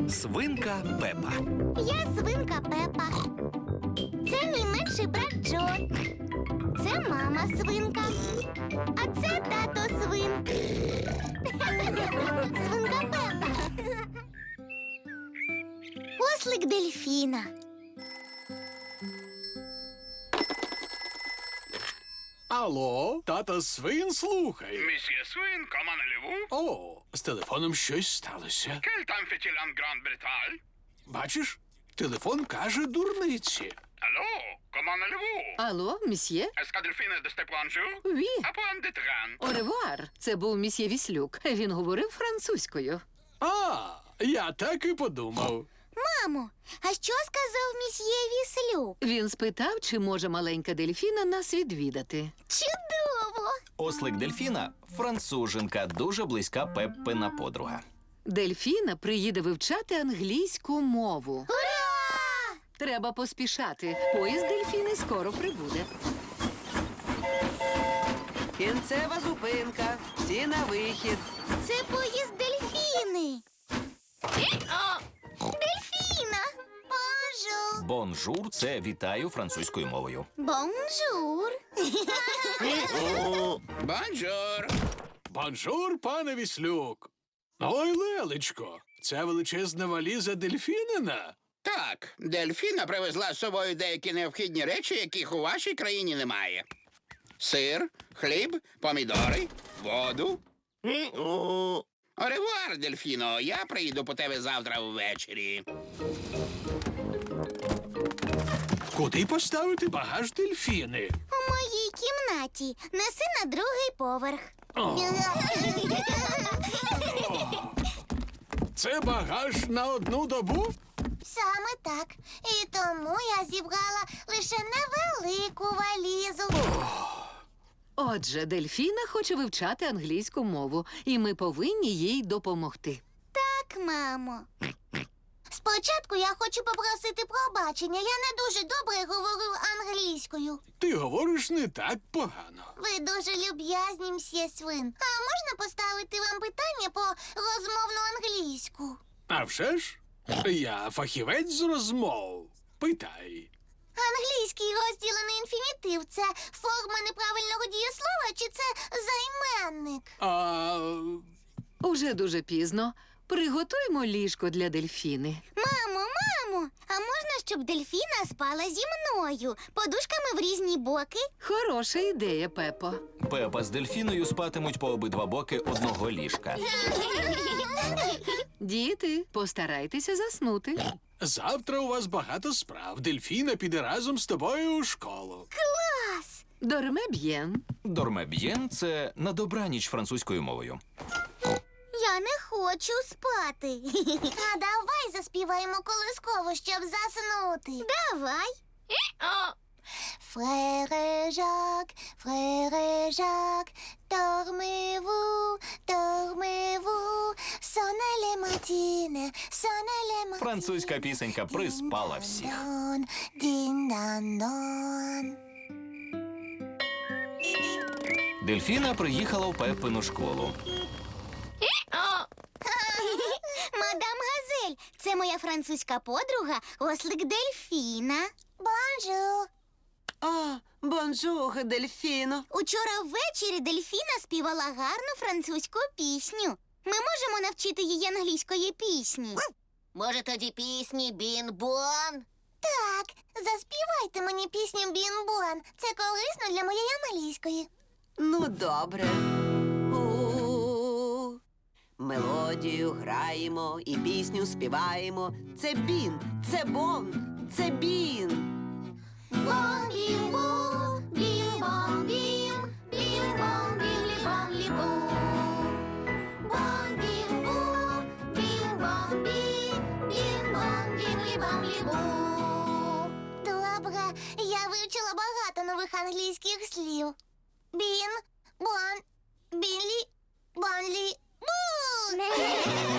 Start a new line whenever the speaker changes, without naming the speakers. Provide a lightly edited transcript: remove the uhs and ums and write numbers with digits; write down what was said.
Свинка Пепа.
Я свинка Пепа. Це мій менший брат Джо. Це мама свинка. А це тато свин. Свинка Пепа. Ослик дельфіна.
Алло, тата свин слухає.
Месье Свин, comment allez-vous?
О, з телефоном щось сталося.
Quel temps fait-il en Grande-Bretagne?
Бачиш, телефон каже дурниці.
Allô, comment allez-vous?
Алло, мсьє?
Est-ce que Delphine de c'était bonjour?
Ві.
À point de train.
Оревуар. Це був мсьє Віслюк. Він говорив французькою.
А, я так і подумав.
Мамо, а що сказав місьє Віслюк?
Він спитав, чи може маленька дельфіна нас відвідати.
Чудово!
Ослик Дельфіна – француженка, дуже близька Пеппина подруга.
Дельфіна приїде вивчати англійську мову.
Ура!
Треба поспішати. Поїзд дельфіни скоро прибуде.
Кінцева зупинка. Всі на вихід.
Це поїзд дельфіни. Дельфіна! Бонжур!
Бонжур – це «вітаю» французькою мовою.
Бонжур!
Bonjour.
Бонжур, пане Віслюк. Ой, Лелечко, це величезна валіза дельфінина.
Так, Дельфіна привезла з собою деякі необхідні речі, яких у вашій країні немає. Сир, хліб, помідори, воду. Оревуар, Дельфіно, я приїду по тебе завтра ввечері.
Куди поставити багаж дельфіни?
У моїй кімнаті. Неси на другий поверх.
Це багаж на одну добу?
Саме так. І тому я зібрала лише невелику валізу.
Отже, дельфіна хоче вивчати англійську мову, і ми повинні їй допомогти.
Так, мамо. Спочатку я хочу попросити пробачення. Я не дуже добре говорю англійською.
Ти говориш не так погано.
Ви дуже люб'язні, мсьє Свин. А можна поставити вам питання по розмовну англійську?
А вже ж? Я фахівець з розмов. Питай.
Англійський розділений інфінітив – це форма неправильного дієслова чи це займенник?
Уже дуже пізно. Приготуймо ліжко для дельфіни.
Мамо, а можна, щоб дельфіна спала зі мною? Подушками в різні боки?
Хороша ідея, Пепо.
Пепа з дельфіною спатимуть по обидва боки одного ліжка.
Діти, постарайтеся заснути.
Завтра у вас багато справ. Дельфіна піде разом з тобою у школу.
Клас!
Дорме б'єн.
Дормеб'єн – це «на добраніч» французькою мовою.
Я не хочу спати. А давай заспіваємо колискову, щоб заснути. Давай. Фрере Жак, dormez-vous, dormez-vous, sonne les matines, sonne les matines.
Французька пісенька приспала всіх.
Дін-дан-дон.
Дельфіна приїхала в Пеппину школу.
Мадам Газель, це моя французька подруга, ослик Дельфіна. Бонжур.
О, бонжур, Дельфіно.
Учора ввечері Дельфіна співала гарну французьку пісню. Ми можемо навчити її англійської пісні. Може, тоді пісні Бін-Бон? Так, заспівайте мені пісню Бін-Бон. Це корисно для моєї англійської.
Ну, добре. У-у-у. Мелодію граємо і пісню співаємо. Це бін, це бон, це бін.
Бон, бім-бон, бім-бон, бім, бім-бон, бім-лі-бон-лі-бу. Бон, бім-бон, бім-бон, бім, бім-бон, бім-лі-бон-лі-бу. Добре, я вивчила багато нових англійських слів. Бін, бон, білі, бонлі, бу.